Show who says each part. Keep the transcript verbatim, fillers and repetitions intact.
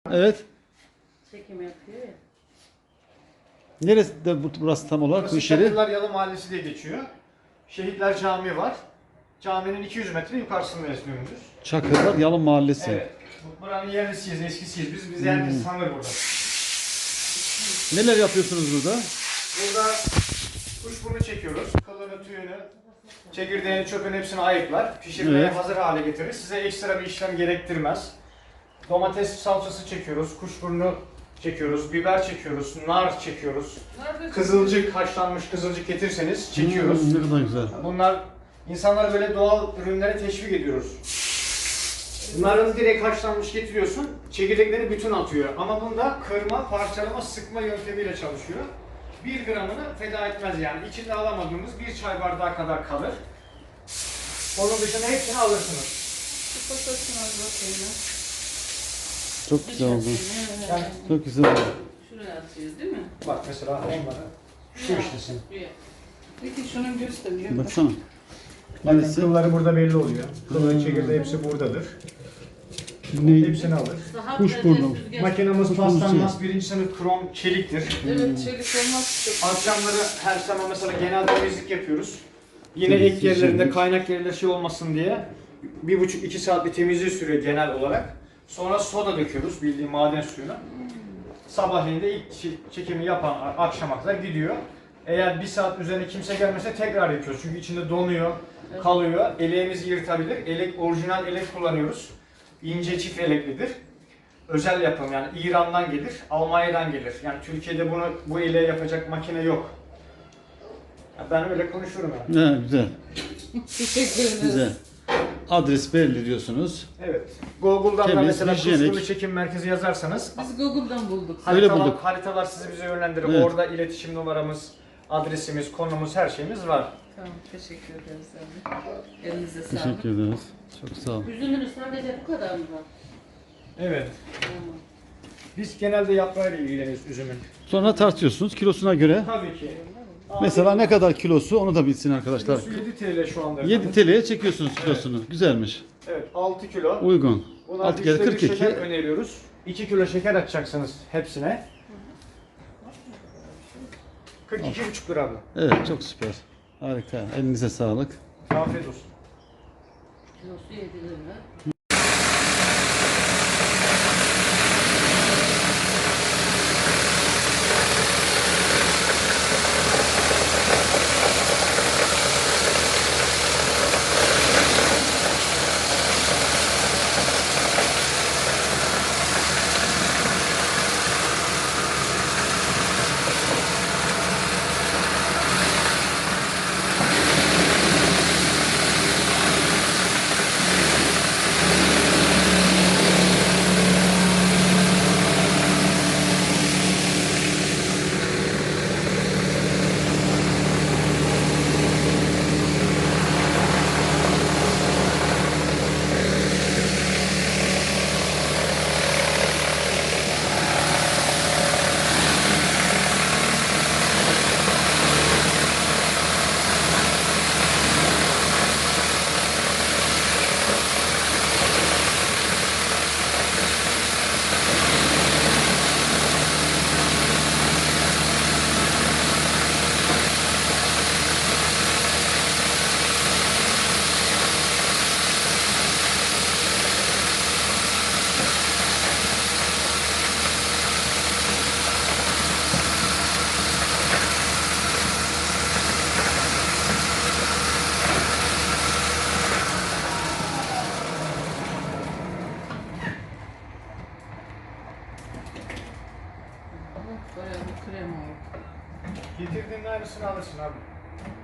Speaker 1: Evet.
Speaker 2: Çekim yapıyor ya.
Speaker 1: Neresi de bu- burası tam olarak bu iş yeri?
Speaker 3: Çakırlar Yalı Mahallesi diye geçiyor. Şehitler Camii var. Caminin iki yüz metre yukarısında yaşıyoruz.
Speaker 1: Çakırlar Yalın Mahallesi.
Speaker 3: Evet. Bu- Buranın yerlisiyiz, eskisiyiz. Biz biz herkes
Speaker 1: Hmm.
Speaker 3: tanır burada.
Speaker 1: Neler yapıyorsunuz burada?
Speaker 3: Burada kuşburnu çekiyoruz. Kılını, tüyünü, çekirdeğini, çöpünü hepsini ayıklar. Pişirmeye
Speaker 1: Evet.
Speaker 3: hazır hale getirir. Size ekstra bir işlem gerektirmez. Domates salçası çekiyoruz, kuşburnu çekiyoruz, biber çekiyoruz, nar çekiyoruz. Kızılcık, haşlanmış kızılcık getirirseniz çekiyoruz.
Speaker 1: Hmm, ne kadar güzel.
Speaker 3: Bunlar insanlara böyle doğal ürünlere teşvik ediyoruz. Bunların direkt haşlanmış getiriyorsun, çekirdekleri bütün atıyor. Ama bunda kırma, parçalama, sıkma yöntemiyle çalışıyor. Bir gramını feda etmez yani. İçinde alamadığımız bir çay bardağı kadar kalır. Onun dışında hepsini alırsınız.
Speaker 2: Şu fotoğrafına bakayım ya.
Speaker 1: Çok güzel oldu.
Speaker 3: Yani
Speaker 1: Çok güzel oldu.
Speaker 2: Şuraya atıyoruz değil mi?
Speaker 3: bak mesela onları şu işlesin.
Speaker 2: Buraya. Peki şunu gösteriyor.
Speaker 1: Baksana.
Speaker 3: Bakın
Speaker 1: Neresi?
Speaker 3: kılları burada belli oluyor. Kılın çekirdeği hepsi buradadır.
Speaker 1: Ne?
Speaker 3: Hepsini alır.
Speaker 2: Daha
Speaker 1: Kuşburnu.
Speaker 2: süzgeç-
Speaker 3: Makinamız
Speaker 1: Kuşburnu
Speaker 3: paslanmaz, birinci sınıf krom çeliktir.
Speaker 2: Evet, çelik olmaz çok.
Speaker 3: Akşamları her zaman mesela genel temizlik yapıyoruz. Yine
Speaker 1: Temizlik,
Speaker 3: ek yerlerinde,
Speaker 1: temizlik.
Speaker 3: kaynak yerlerinde şey olmasın diye bir buçuk iki saat bir temizliği sürüyor genel olarak. Sonra soda döküyoruz, bildiğin maden suyuna. Sabahleyin de ilk çe- çekimi yapan a- akşama kadar gidiyor. Eğer bir saat üzerine kimse gelmese tekrar yapıyoruz. Çünkü içinde donuyor, kalıyor. Eleğimizi yırtabilir. Elek, orijinal elek kullanıyoruz. İnce çift eleklidir. Özel yapım yani İran'dan gelir, Almanya'dan gelir. Yani Türkiye'de bunu bu eleği yapacak makine yok. Ya ben öyle konuşurum yani.
Speaker 1: Ne güzel.
Speaker 2: Teşekkür ederiz.
Speaker 1: Güzel. Adres belli diyorsunuz.
Speaker 3: Evet. Google'dan da
Speaker 1: Temiz,
Speaker 3: mesela
Speaker 1: hijyenik.
Speaker 3: kuşburnu çekim merkezi yazarsanız
Speaker 2: Biz Google'dan bulduk.
Speaker 1: Öyle
Speaker 3: haritalar,
Speaker 1: bulduk.
Speaker 3: haritalar sizi bize yönlendirir.
Speaker 1: Evet.
Speaker 3: Orada iletişim numaramız, adresimiz, konumuz, her şeyimiz var.
Speaker 2: Tamam, teşekkür ederiz abi. Elinize sağlık.
Speaker 1: Teşekkür ederiz. Çok sağ ol.
Speaker 2: Üzümünüz sadece bu kadar mı var?
Speaker 3: Evet.
Speaker 2: Tamam.
Speaker 3: Biz genelde yaprağıyla ilgileniyoruz üzümün.
Speaker 1: Sonra tartıyorsunuz kilosuna göre.
Speaker 3: Tabii ki.
Speaker 1: Mesela ne kadar kilosu onu da bilsin arkadaşlar.
Speaker 3: Kilosu yedi TL şu anda.
Speaker 1: yedi
Speaker 3: efendim.
Speaker 1: T L'ye çekiyorsunuz kilosunu. Güzelmiş.
Speaker 3: Evet, altı kilo.
Speaker 1: Uygun.
Speaker 3: Buna
Speaker 1: altı kere
Speaker 3: üçte bir
Speaker 1: kırk iki.
Speaker 3: şeker öneriyoruz. iki kilo şeker atacaksınız hepsine. kırk iki buçuk lira bu.
Speaker 1: Evet çok süper. Harika. Elinize sağlık.
Speaker 3: Afiyet olsun.
Speaker 2: Kilosu yedi lira. Bayağı bir krem oldu.
Speaker 3: Getirdiğin aynısını alırsın abi.